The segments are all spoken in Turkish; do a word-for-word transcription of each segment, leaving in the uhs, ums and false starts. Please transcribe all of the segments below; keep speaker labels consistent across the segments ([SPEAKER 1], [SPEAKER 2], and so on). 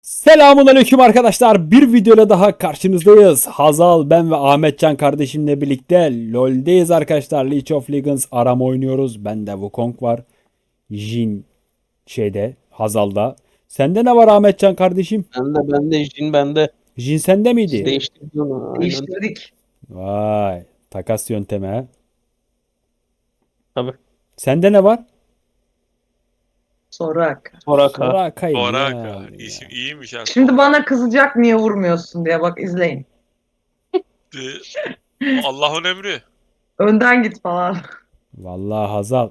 [SPEAKER 1] Selamun aleyküm arkadaşlar. Bir videoyla daha karşınızdayız. Hazal, ben ve Ahmetcan kardeşimle birlikte LoL'deyiz arkadaşlar. League of Legends arama oynuyoruz. Bende Wukong var. Jhin şeyde, Hazal'da. Sende ne var Ahmetcan kardeşim?
[SPEAKER 2] Ben de ben de Jin bende.
[SPEAKER 1] Jhin sende
[SPEAKER 2] Siz
[SPEAKER 1] miydi?
[SPEAKER 2] değiştirdiniz onu. Aynen.
[SPEAKER 3] Değiştirdik.
[SPEAKER 1] Vay, takas yöntemi ha.
[SPEAKER 2] Tabii.
[SPEAKER 1] Sende ne var?
[SPEAKER 3] Sorak.
[SPEAKER 2] Soraka.
[SPEAKER 1] Soraka'yı
[SPEAKER 4] Oraka.
[SPEAKER 1] yani ya.
[SPEAKER 4] İsim iyiymiş ha.
[SPEAKER 3] Şimdi bana kızacak niye vurmuyorsun diye bak izleyin.
[SPEAKER 4] Ee, Allah'ın emri.
[SPEAKER 3] Önden git falan.
[SPEAKER 1] Vallahi Hazal.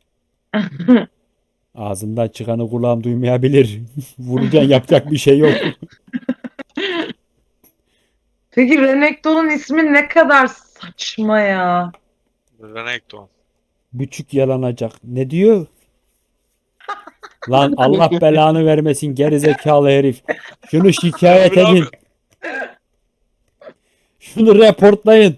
[SPEAKER 1] Ağzından çıkanı kulağım duymayabilir. Vuracaksın, yapacak bir şey yok.
[SPEAKER 3] Peki Renekton'un ismi ne kadar saçma ya.
[SPEAKER 4] Renekton.
[SPEAKER 1] Buçuk yalanacak. Ne diyor? Lan Allah belanı vermesin gerizekalı herif. Şunu şikayet
[SPEAKER 4] Abi,
[SPEAKER 1] edin. Şunu reportlayın.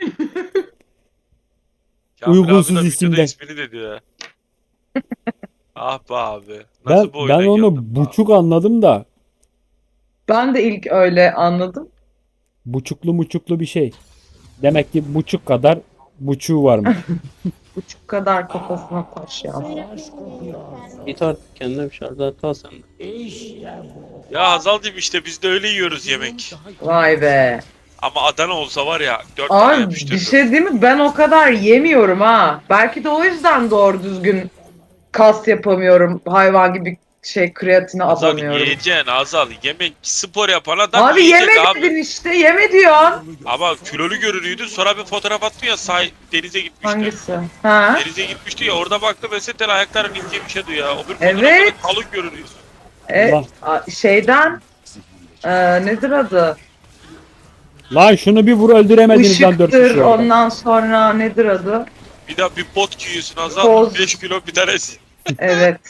[SPEAKER 4] Kamil
[SPEAKER 1] Uygunsuz
[SPEAKER 4] abi de
[SPEAKER 1] isimden.
[SPEAKER 4] videoda ismini dedi ya. Ah be abi.
[SPEAKER 1] Ben,
[SPEAKER 4] Nasıl bu oyuna
[SPEAKER 1] ben onu
[SPEAKER 4] girdin be
[SPEAKER 1] buçuk anladım da.
[SPEAKER 3] Ben de ilk öyle anladım.
[SPEAKER 1] Buçuklu muçuklu bir şey. Demek ki buçuk kadar buçuğu varmış.
[SPEAKER 3] Buçuk kadar kafasına taş ya.
[SPEAKER 2] Git artık kendine bir şarjı al sen de.
[SPEAKER 4] abi? Ya Hazal'cığım işte biz de öyle yiyoruz yemek.
[SPEAKER 3] Vay be.
[SPEAKER 4] Ama Adana olsa var ya dört tane
[SPEAKER 3] Abi bir
[SPEAKER 4] yapıştırdım.
[SPEAKER 3] şey değil mi? Ben o kadar yemiyorum ha. Belki de o yüzden doğru düzgün kas yapamıyorum. Hayvan gibi şey kreatine
[SPEAKER 4] Hazal
[SPEAKER 3] abanıyorum.
[SPEAKER 4] yiyeceksin Hazal. Yemek spor yapan adam
[SPEAKER 3] Abi
[SPEAKER 4] yiyecek
[SPEAKER 3] yeme
[SPEAKER 4] abi.
[SPEAKER 3] dedin işte. Yeme diyorsun.
[SPEAKER 4] Ama kilolu görünüyordu sonra bir fotoğraf attı ya say denize gitmişti.
[SPEAKER 3] Hangisi? Ha?
[SPEAKER 4] Denize gitmişti ya orada baktı mesela ayaklarım ince bir şeydi ya. O bir
[SPEAKER 3] Evet.
[SPEAKER 4] fotoğrafta kalın görünüyor.
[SPEAKER 3] E,
[SPEAKER 1] Allah.
[SPEAKER 3] a- şeyden e, nedir adı?
[SPEAKER 1] Lan şunu bir vur öldüremediniz lan dört
[SPEAKER 3] Işıktır,
[SPEAKER 1] kişi orada.
[SPEAKER 3] ondan sonra nedir adı?
[SPEAKER 4] Bir daha bir bot giyiyorsun Hazal.
[SPEAKER 3] Toz.
[SPEAKER 4] beş kilo bir tanesi.
[SPEAKER 3] Evet.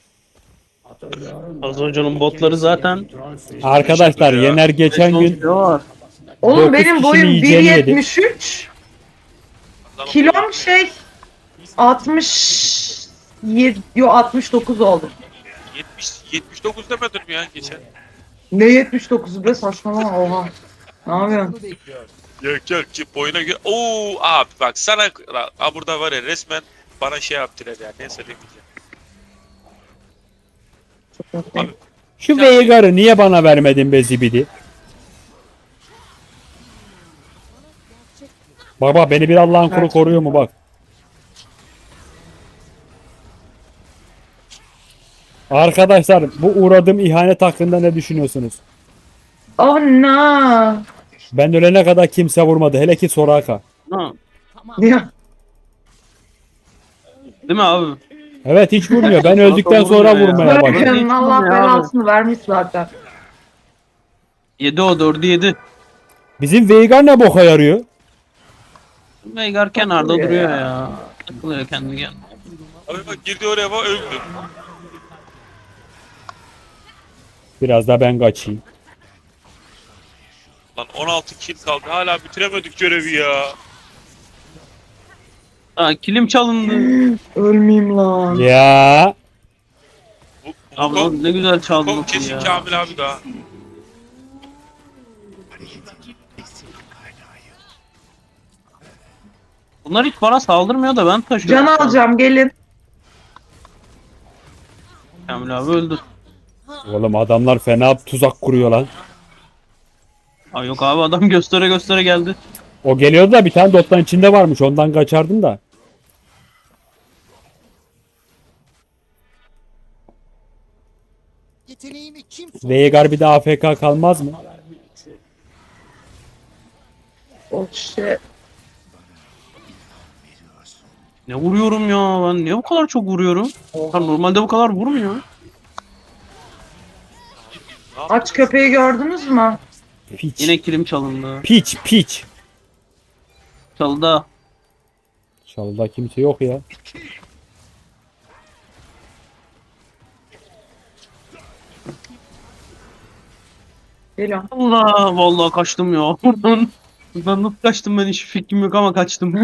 [SPEAKER 2] Az Hoca'nın botları zaten
[SPEAKER 1] Arkadaşlar
[SPEAKER 4] Ya.
[SPEAKER 1] Yener geçen
[SPEAKER 2] beş on
[SPEAKER 1] gün
[SPEAKER 2] kilo var.
[SPEAKER 3] Oğlum
[SPEAKER 1] Dokuz
[SPEAKER 3] benim
[SPEAKER 1] kişinin
[SPEAKER 3] boyum bir
[SPEAKER 1] yiyeceğini yedi.
[SPEAKER 3] yetmiş üç.
[SPEAKER 4] Hazal'ın
[SPEAKER 3] Kilom şey altmış yedi, yo altmış dokuz oldu.
[SPEAKER 4] yetmiş yetmiş dokuz demedim ya geçen.
[SPEAKER 3] Ne yetmiş dokuzu be saçmalama oha. Ne yapıyorsun?
[SPEAKER 4] Yok yok ki boyuna göre. Oo abi bak sana ha burada var ya resmen bana şey yaptılar ya ne söylemeyeceğim.
[SPEAKER 3] Çok mutluyum.
[SPEAKER 4] Abi
[SPEAKER 1] şu Veigar'ı niye bana vermedin be zibidi? Baba beni bir Allah'ın kuru koruyor mu bak. Arkadaşlar bu uğradığım ihanet hakkında ne düşünüyorsunuz?
[SPEAKER 3] Oh no.
[SPEAKER 1] Ben ölene kadar kimse vurmadı. Hele ki Soraka.
[SPEAKER 2] Ha,
[SPEAKER 3] Ya,
[SPEAKER 2] değil mi abi?
[SPEAKER 1] Evet hiç vurmuyor. Ben öldükten sonra
[SPEAKER 2] vurmuyor ya.
[SPEAKER 1] vurmaya başladı.
[SPEAKER 3] bırakın Allah
[SPEAKER 2] Ya.
[SPEAKER 3] belasını vermiş zaten.
[SPEAKER 2] Yedi o dördü yedi.
[SPEAKER 1] Bizim Veigar ne boka yarıyor?
[SPEAKER 2] Veigar kenarda
[SPEAKER 3] Takılıyor
[SPEAKER 2] duruyor
[SPEAKER 3] ya.
[SPEAKER 2] ya. Takılıyor kendi kendine.
[SPEAKER 4] abi bak girdi oraya bak öldü.
[SPEAKER 1] Biraz da ben kaçayım.
[SPEAKER 4] Lan on altı kill kaldı hala bitiremedik görevi ya.
[SPEAKER 2] Ha, kilim çalındı.
[SPEAKER 3] Ölmeyeyim lan.
[SPEAKER 1] Ya
[SPEAKER 4] Bu,
[SPEAKER 2] Abi
[SPEAKER 4] bu
[SPEAKER 2] lan ne güzel çaldı
[SPEAKER 4] Kong
[SPEAKER 2] lafı
[SPEAKER 4] kesin
[SPEAKER 2] ya.
[SPEAKER 4] Kamil abi daha.
[SPEAKER 2] Bunlar hiç bana saldırmıyor da ben taşıyorum.
[SPEAKER 3] Can alacağım gelin.
[SPEAKER 2] Kamil abi öldü.
[SPEAKER 1] oğlum adamlar fena tuzak kuruyor lan.
[SPEAKER 2] Ay yok abi adam göstere göstere geldi.
[SPEAKER 1] O geliyordu da bir tane dottan içinde varmış. Ondan kaçardım da.
[SPEAKER 5] Yeteneğimi kim sordu?
[SPEAKER 1] Veigar bir de A F K kalmaz mı?
[SPEAKER 3] Oh shit.
[SPEAKER 2] Ne vuruyorum ya ben niye bu kadar çok vuruyorum? Ha, normalde bu kadar vurmuyor.
[SPEAKER 3] Aç köpeği gördünüz mü?
[SPEAKER 1] Piç.
[SPEAKER 2] Yine kilim çalındı.
[SPEAKER 1] Piç piç.
[SPEAKER 2] Çaldı.
[SPEAKER 1] Çalıda kimse yok ya.
[SPEAKER 3] Geliyorum.
[SPEAKER 2] Allah vallahi kaçtım ya. Buradan buradan nasıl kaçtım ben hiç fikrim yok ama kaçtım.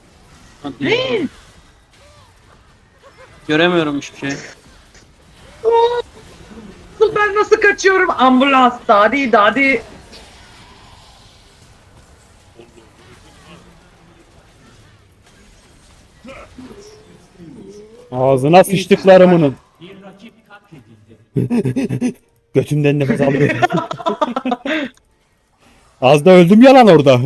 [SPEAKER 2] Hadi ya. Göremiyorum hiçbir şey.
[SPEAKER 3] nasıl kaçıyorum? Ambulans. Dadi dadi.
[SPEAKER 1] Ağzına sıçtıklarımının. Götümden nefes alıyorum. Az da öldüm ya lan orada.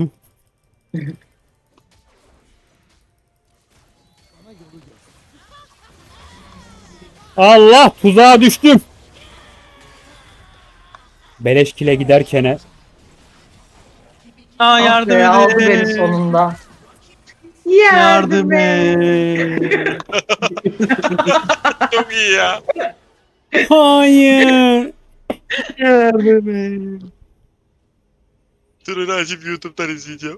[SPEAKER 1] Allah, tuzağa düştüm. Beleş kile giderkene.
[SPEAKER 2] Aa
[SPEAKER 3] Ah
[SPEAKER 2] yardım
[SPEAKER 3] be, aldı beni
[SPEAKER 2] edin.
[SPEAKER 3] sonunda.
[SPEAKER 2] Yardım
[SPEAKER 3] et.
[SPEAKER 2] et.
[SPEAKER 4] Çok iyi ya.
[SPEAKER 1] Hayır.
[SPEAKER 2] Yardım et.
[SPEAKER 4] Durun açıp YouTube'dan izleyeceğim.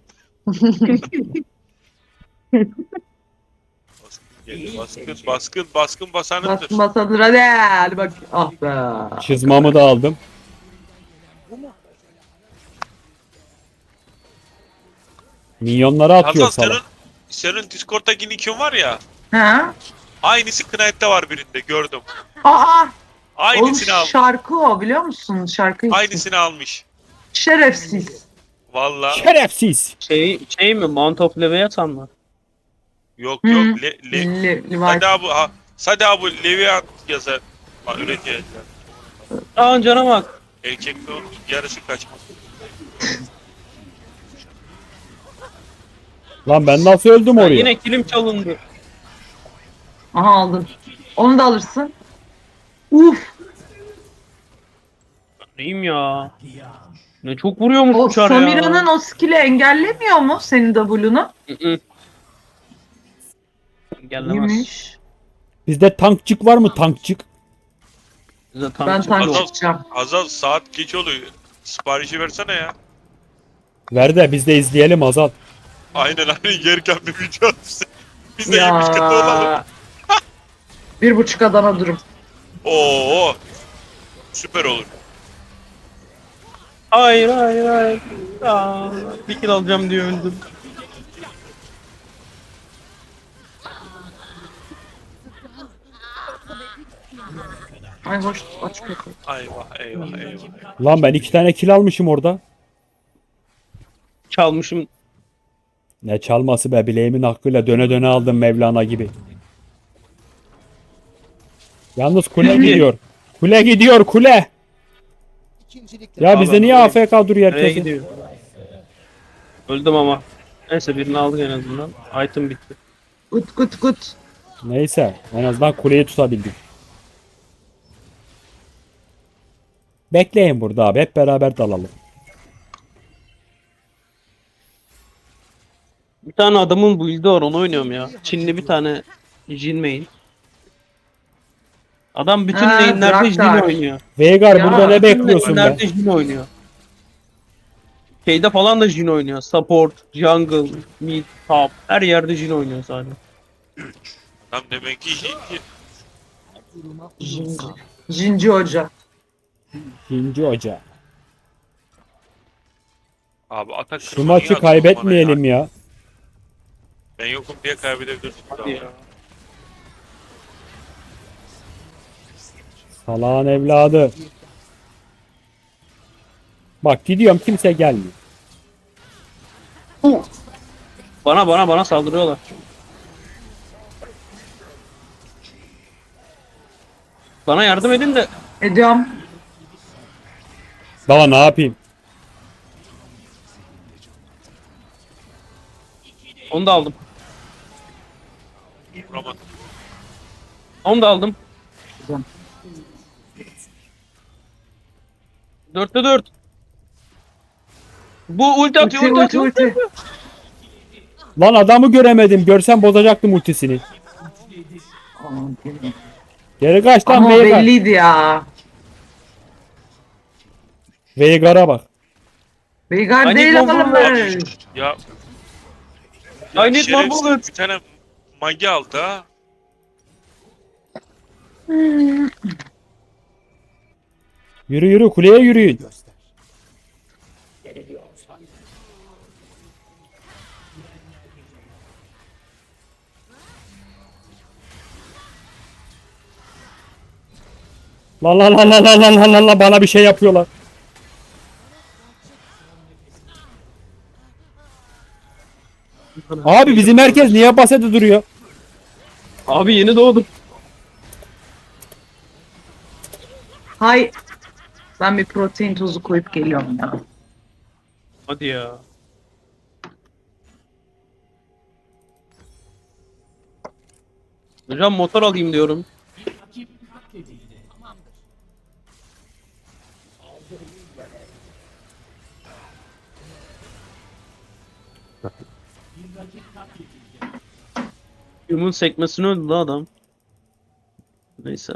[SPEAKER 4] Baskın, baskın, baskın, baskın basanındır.
[SPEAKER 3] Bastım basadır hadi. Hadi bak. Ah be.
[SPEAKER 1] Çizmamı da aldım. Minyonları atıyor
[SPEAKER 4] Hazal
[SPEAKER 1] salak.
[SPEAKER 4] senin, senin Discord'daki nick'in var ya.
[SPEAKER 3] Ha?
[SPEAKER 4] Aynısı Knight'ta var birinde gördüm.
[SPEAKER 3] Aa. Oğlum
[SPEAKER 4] Aynısını almış.
[SPEAKER 3] şarkı o biliyor musun? Şarkı için.
[SPEAKER 4] Aynısını almış.
[SPEAKER 3] Şerefsiz.
[SPEAKER 4] Vallahi.
[SPEAKER 1] Şerefsiz.
[SPEAKER 2] Şey, şey mi? Mount of Leviathan mı?
[SPEAKER 4] Yok
[SPEAKER 3] Hı.
[SPEAKER 4] yok. Le, le,
[SPEAKER 3] Le, Levi.
[SPEAKER 4] Sade abi, ha, Sade abi Leviat yazar. Ha, öyle diyor.
[SPEAKER 2] Aa cana bak.
[SPEAKER 4] Erkekte onun yarısı kaçmaz.
[SPEAKER 1] Lan ben nasıl öldüm
[SPEAKER 2] Ha,
[SPEAKER 1] oraya?
[SPEAKER 2] yine kilim çalındı.
[SPEAKER 3] Aha aldın. Onu da alırsın. Uf.
[SPEAKER 2] Neyim ya? Ne çok vuruyormuş
[SPEAKER 3] O
[SPEAKER 2] uçar ya.
[SPEAKER 3] Samira'nın o skill'i engellemiyor mu senin W'nu?
[SPEAKER 2] Hı hı. Engellemez.
[SPEAKER 3] İyiymiş.
[SPEAKER 1] Bizde tankçık var mı, tankçık?
[SPEAKER 2] Bize
[SPEAKER 3] Ben
[SPEAKER 2] tank
[SPEAKER 3] tank
[SPEAKER 4] Hazal-
[SPEAKER 3] çıkacağım.
[SPEAKER 4] Hazal saat geç oluyor. Siparişi versene ya.
[SPEAKER 1] Ver de biz de izleyelim Azal.
[SPEAKER 4] Aynen aynen yerken bir video atsın. Biz de yemiş kötü olalım.
[SPEAKER 3] Ya. Bir buçuk Adana durum.
[SPEAKER 4] Oo. Süper olur.
[SPEAKER 2] Hayır hayır hayır. Aa, bir kill alacağım diye öldüm.
[SPEAKER 3] Ay hoş aç kötü.
[SPEAKER 4] Eyvah eyvah eyvah.
[SPEAKER 1] Lan ben iki tane kill almışım orada.
[SPEAKER 2] Çalmışım.
[SPEAKER 1] Ne çalması be, bileğimin hakkıyla döne döne aldım Mevlana gibi. Yalnız kule gidiyor. Kule gidiyor kule. Ya bizde niye A F K duruyor
[SPEAKER 2] Nereye
[SPEAKER 1] herkes?
[SPEAKER 2] gidiyor? Öldüm ama. Neyse birini aldık en azından. Item bitti.
[SPEAKER 3] Gut gut gut.
[SPEAKER 1] Neyse en azından kuleyi tutabildik. Bekleyin burada abi, hep beraber dalalım.
[SPEAKER 2] Bir tane adamın build'i var onu oynuyorum ya. Çinli bir tane Jin main. Adam bütün
[SPEAKER 3] Ha,
[SPEAKER 2] lane'lerde Jin
[SPEAKER 3] Draktar.
[SPEAKER 2] oynuyor.
[SPEAKER 1] Veigar
[SPEAKER 3] Ya,
[SPEAKER 1] burada ne
[SPEAKER 2] Bütün
[SPEAKER 1] bekliyorsun be?
[SPEAKER 2] lane'lerde Jin oynuyor. Şeyde falan da Jin oynuyor. Support, jungle, mid, top. Her yerde Jin oynuyor sadece.
[SPEAKER 4] Tam demek ki iyi.
[SPEAKER 3] Jinci. Jinci Hoca.
[SPEAKER 1] İkinci hoca.
[SPEAKER 4] Abi atak
[SPEAKER 1] Şu
[SPEAKER 4] kırma niye
[SPEAKER 1] maçı
[SPEAKER 4] atıyorsun bana
[SPEAKER 1] kaybetmeyelim
[SPEAKER 4] ya?
[SPEAKER 1] ya.
[SPEAKER 4] Ben yokum diye kaybedebilirsin.
[SPEAKER 2] Hadi ya.
[SPEAKER 1] Salağın evladı. Bak gidiyorum, kimse gelmiyor.
[SPEAKER 2] Bana bana bana saldırıyorlar. Bana yardım edin de
[SPEAKER 3] Ediyorum.
[SPEAKER 1] Daha ne yapayım?
[SPEAKER 2] onu da aldım.
[SPEAKER 4] Vuramadım.
[SPEAKER 2] Onu da aldım.
[SPEAKER 3] Güzel.
[SPEAKER 2] Dörtte dört. Bu ulti atıyor,
[SPEAKER 3] Ulti
[SPEAKER 2] ulti,
[SPEAKER 3] ulti
[SPEAKER 2] atıyor.
[SPEAKER 3] ulti.
[SPEAKER 1] Lan adamı göremedim. Görsem bozacaktım ultisini.
[SPEAKER 3] Aman Allah'ım.
[SPEAKER 1] Geri kaç lan
[SPEAKER 3] Ama o
[SPEAKER 1] Veigar.
[SPEAKER 3] belliydi ya.
[SPEAKER 1] Veigar'a bak.
[SPEAKER 3] Veigar
[SPEAKER 2] Hani
[SPEAKER 3] değil
[SPEAKER 2] Google'un
[SPEAKER 3] ama.
[SPEAKER 4] Abi ya.
[SPEAKER 2] I need more
[SPEAKER 4] şerefsiz
[SPEAKER 2] bullets.
[SPEAKER 4] bir tane magi aldı ha.
[SPEAKER 1] Yürü yürü, kuleye yürüyün. La la la la la la la la la bana bir şey yapıyorlar. Abi bizim herkes niye basede duruyor?
[SPEAKER 2] Abi yeni doğdum.
[SPEAKER 3] Hay. Ben bir protein tozu koyup geliyorum ya.
[SPEAKER 2] Hadi ya. Hocam motor alayım diyorum. Yumun sekmesini öldü la adam. Neyse.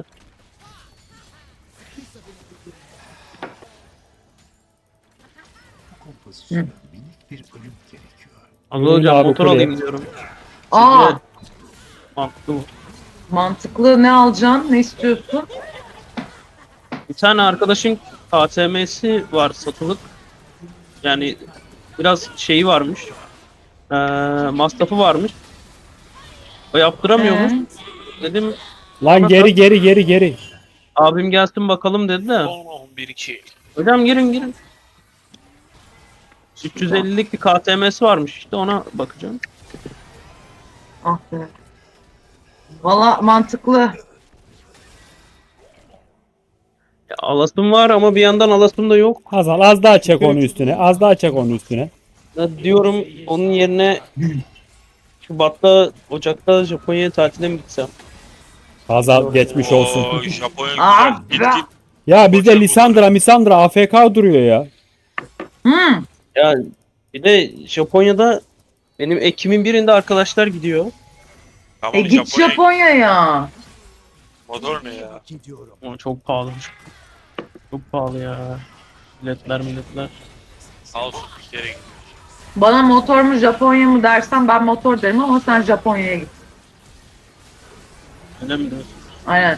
[SPEAKER 3] Hı.
[SPEAKER 5] Minik bir ölüm gerekiyor.
[SPEAKER 2] Abi
[SPEAKER 1] Buyurun
[SPEAKER 2] hocam
[SPEAKER 1] abi,
[SPEAKER 2] motor
[SPEAKER 1] kuleye.
[SPEAKER 2] alayım diyorum.
[SPEAKER 3] Aa,
[SPEAKER 2] Sizce mantıklı mı?
[SPEAKER 3] mantıklı. Ne alacaksın? Ne istiyorsun?
[SPEAKER 2] Bir tane arkadaşın K T M'si var satılık. Yani biraz şeyi varmış. Ee, masrafı varmış. O yaptıramıyormuş.
[SPEAKER 3] Ee?
[SPEAKER 2] Dedim
[SPEAKER 1] Lan geri geri geri geri.
[SPEAKER 2] abim gelsin bakalım dedi de.
[SPEAKER 4] on bir iki.
[SPEAKER 2] Hocam girin girin. üç yüz ellilik bir K T M'si varmış işte ona bakacağım.
[SPEAKER 3] Ah be. Valla mantıklı.
[SPEAKER 2] Ya, alasım var ama bir yandan alasım da yok.
[SPEAKER 1] Hazal az daha çek onu üstüne. Az daha çek onu üstüne.
[SPEAKER 2] Ya diyorum onun yerine Şubat'ta, Ocak'ta Japonya'ya tatile mi gitsem?
[SPEAKER 1] Hazal geçmiş olsun.
[SPEAKER 4] Oo, Japonya
[SPEAKER 3] Aa,
[SPEAKER 4] güzel. Git git.
[SPEAKER 1] Ya bizde Lisandra Misandra A F K duruyor ya.
[SPEAKER 3] Hmm.
[SPEAKER 2] Ya bir de Japonya'da benim Ekim'in birinde arkadaşlar gidiyor.
[SPEAKER 4] Tamam
[SPEAKER 3] E git
[SPEAKER 4] Japonya.
[SPEAKER 3] Japonya'ya.
[SPEAKER 4] Motor ne ya?
[SPEAKER 5] Gidiyorum.
[SPEAKER 2] Ama çok pahalı. Çok pahalı ya. Milletler milletler.
[SPEAKER 4] Sağ olsun bir kere git.
[SPEAKER 3] Bana motor mu Japonya mı dersen ben motor derim ama sen Japonya'ya git.
[SPEAKER 2] Öyle mi diyorsun?
[SPEAKER 3] Aynen.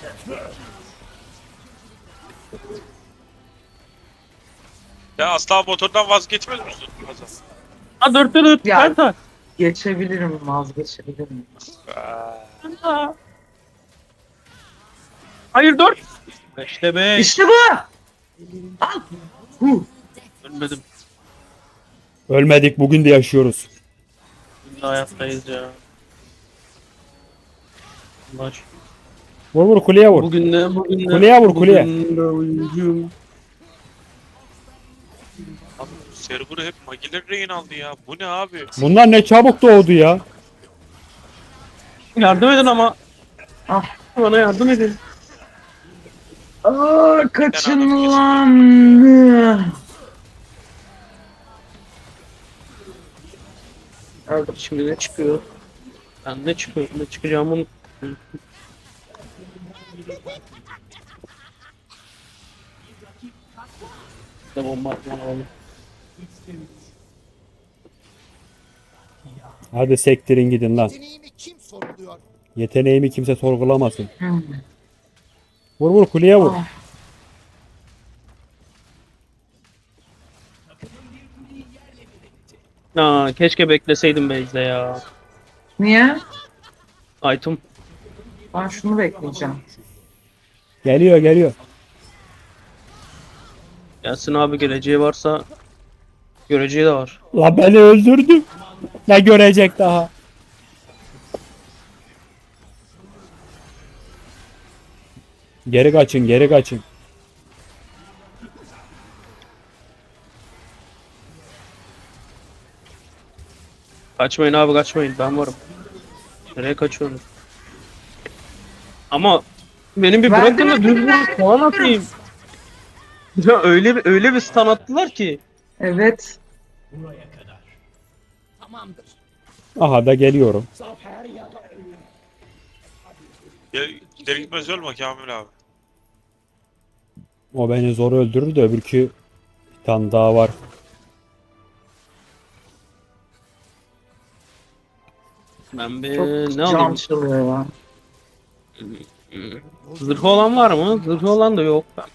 [SPEAKER 4] Ya asla motordan vazgeçmez misin? Hasan?
[SPEAKER 2] Ha dörtte dört.
[SPEAKER 3] Ya.
[SPEAKER 2] Penta.
[SPEAKER 3] Geçebilirim, vazgeçebilirim.
[SPEAKER 4] Aa,
[SPEAKER 2] Hayır dört. Beşte beş.
[SPEAKER 3] İşte bu. Al. Huh.
[SPEAKER 2] Ölmedim.
[SPEAKER 1] Ölmedik bugün de yaşıyoruz.
[SPEAKER 2] Biz de hayattayız ya. Allah aşkına.
[SPEAKER 1] Vur vur kuleye vur.
[SPEAKER 2] Bugün de bugün de.
[SPEAKER 1] Kuleye vur, kuleye.
[SPEAKER 2] Bugün de oyuncuyum.
[SPEAKER 4] abi server'ı hep Magiler rehin aldı ya. Bu ne abi?
[SPEAKER 1] Bunlar ne çabuk doğdu ya.
[SPEAKER 2] Yardım edin ama.
[SPEAKER 3] Ah.
[SPEAKER 2] Bana yardım edin.
[SPEAKER 3] Aa, kaçın lan.
[SPEAKER 2] Öldüm. Şimdi ne çıkıyor? Ben ne çıkıyor? Ne çıkacağımın. İşte bomba atman alalım.
[SPEAKER 1] Hadi sektirin gidin lan.
[SPEAKER 5] Deneyimi kim sorguluyor?
[SPEAKER 1] Yeteneğimi kimse sorgulamasın.
[SPEAKER 3] Hmm.
[SPEAKER 1] Vur vur kuleye vur.
[SPEAKER 3] Ah.
[SPEAKER 2] Aa, keşke bekleseydim Beyz'de ya.
[SPEAKER 3] Niye?
[SPEAKER 2] Item.
[SPEAKER 3] Ben şunu bekleyeceğim.
[SPEAKER 1] Geliyor geliyor.
[SPEAKER 2] Gelsin abi geleceği varsa göreceği de var.
[SPEAKER 1] La beni öldürdü. Ne görecek daha? Geri kaçın geri kaçın.
[SPEAKER 2] Kaçmayın abi kaçmayın ben varım. Nereye kaçıyorsunuz? Ama benim bir
[SPEAKER 3] Verdim,
[SPEAKER 2] bırakın da
[SPEAKER 3] verdim,
[SPEAKER 2] düz
[SPEAKER 3] verdim,
[SPEAKER 2] bir puan atayım. Ya öyle bir öyle bir stun attılar ki.
[SPEAKER 3] Evet.
[SPEAKER 1] Aha da geliyorum.
[SPEAKER 4] Ya gider gitmez ölme Kamil abi.
[SPEAKER 1] O beni zor öldürür de öbürkü bir tane daha var.
[SPEAKER 2] Ben bir
[SPEAKER 3] Çok
[SPEAKER 2] ne
[SPEAKER 3] can
[SPEAKER 2] alayım?
[SPEAKER 3] çalıyor ya.
[SPEAKER 2] Zırhı olan var mı? Zırhı olan da yok. Ben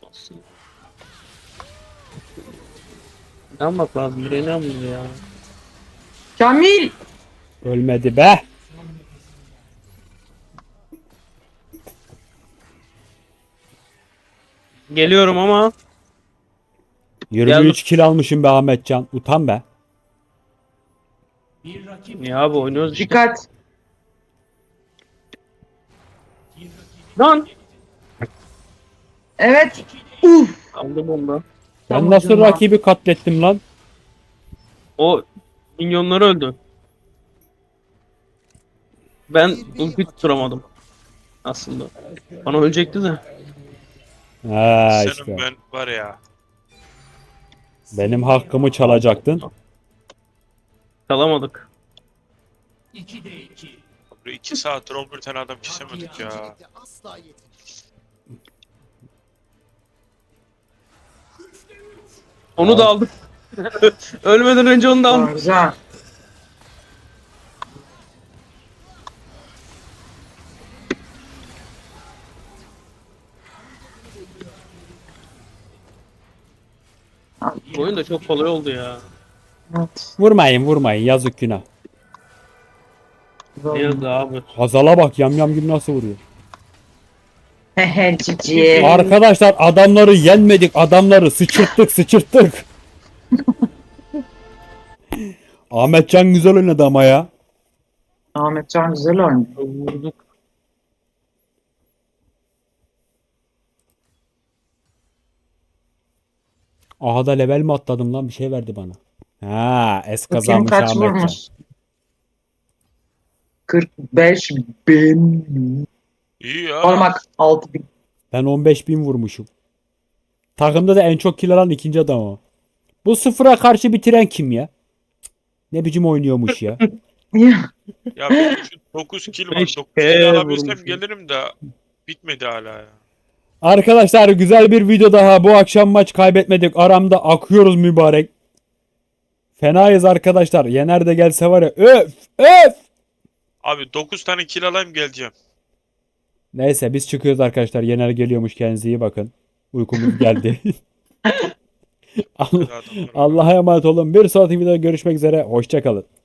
[SPEAKER 2] Ne yapmak lazım? Buraya ne yapıyoruz ya?
[SPEAKER 3] Kamil!
[SPEAKER 1] Ölmedi be.
[SPEAKER 2] Geliyorum ama
[SPEAKER 1] yirmi üç kill almışım be Ahmetcan. Utan be.
[SPEAKER 2] ya abi oynuyoruz işte.
[SPEAKER 3] Dikkat.
[SPEAKER 2] Lan!
[SPEAKER 3] Evet. Uf.
[SPEAKER 2] Aldım onu da.
[SPEAKER 1] Ben nasıl
[SPEAKER 3] Tamam.
[SPEAKER 1] rakibi katlettim lan?
[SPEAKER 2] O minyonları öldü. Ben ulti tutturamadım. Aslında. Bana ölecekti de.
[SPEAKER 1] Ha
[SPEAKER 4] Senin
[SPEAKER 1] işte.
[SPEAKER 4] ben var ya.
[SPEAKER 1] Benim hakkımı çalacaktın.
[SPEAKER 2] Kalamadık.
[SPEAKER 4] Böyle iki saattir on bir tane adam kesemedik ya.
[SPEAKER 5] Öncelikle asla yetin.
[SPEAKER 2] Onu da aldım. Ölmeden önce onu da aldım.
[SPEAKER 3] Güzel.
[SPEAKER 2] Bu oyun da çok kolay oldu ya.
[SPEAKER 3] Evet.
[SPEAKER 1] Vurmayın vurmayın yazık günah.
[SPEAKER 2] Ne yazdı abi.
[SPEAKER 1] Hazal'a bak yam yam gibi nasıl vuruyor.
[SPEAKER 3] Hehe cici.
[SPEAKER 1] Arkadaşlar adamları yenmedik, adamları sıçırttık sıçırttık. Ahmetcan güzel oynadı ama ya.
[SPEAKER 3] Ahmetcan güzel oynuyor.
[SPEAKER 2] Vurduk.
[SPEAKER 1] Aha da level mi atladım lan bir şey verdi bana. Ha es
[SPEAKER 3] Bakayım
[SPEAKER 1] kazanmış
[SPEAKER 3] kaç
[SPEAKER 1] Ahmetcan.
[SPEAKER 3] vurmuş. kırk beş bin.
[SPEAKER 4] İyi ya.
[SPEAKER 3] Olmak altı bin.
[SPEAKER 1] Ben on beş bin vurmuşum. Takımda da en çok kill alan ikinci adam o. Bu sıfıra karşı bitiren kim ya? Cık, ne biçim oynuyormuş ya.
[SPEAKER 4] Ya benim şu dokuz kill var.
[SPEAKER 2] Beş
[SPEAKER 4] dokuz
[SPEAKER 2] K
[SPEAKER 4] kill alabilsem
[SPEAKER 2] vurmuşum.
[SPEAKER 4] gelirim de bitmedi hala ya.
[SPEAKER 1] Arkadaşlar güzel bir video daha. Bu akşam maç kaybetmedik. Aramda akıyoruz mübarek. Fenayız arkadaşlar. Yener de gelse var ya. Öf öf.
[SPEAKER 4] Abi dokuz tane kill alayım geleceğim.
[SPEAKER 1] Neyse biz çıkıyoruz arkadaşlar. Yener geliyormuş. Kendinize iyi bakın. Uykumuz geldi. Allah-
[SPEAKER 4] Hadi adamlar.
[SPEAKER 1] Allah'a emanet olun. Bir sonraki videoda görüşmek üzere. Hoşçakalın.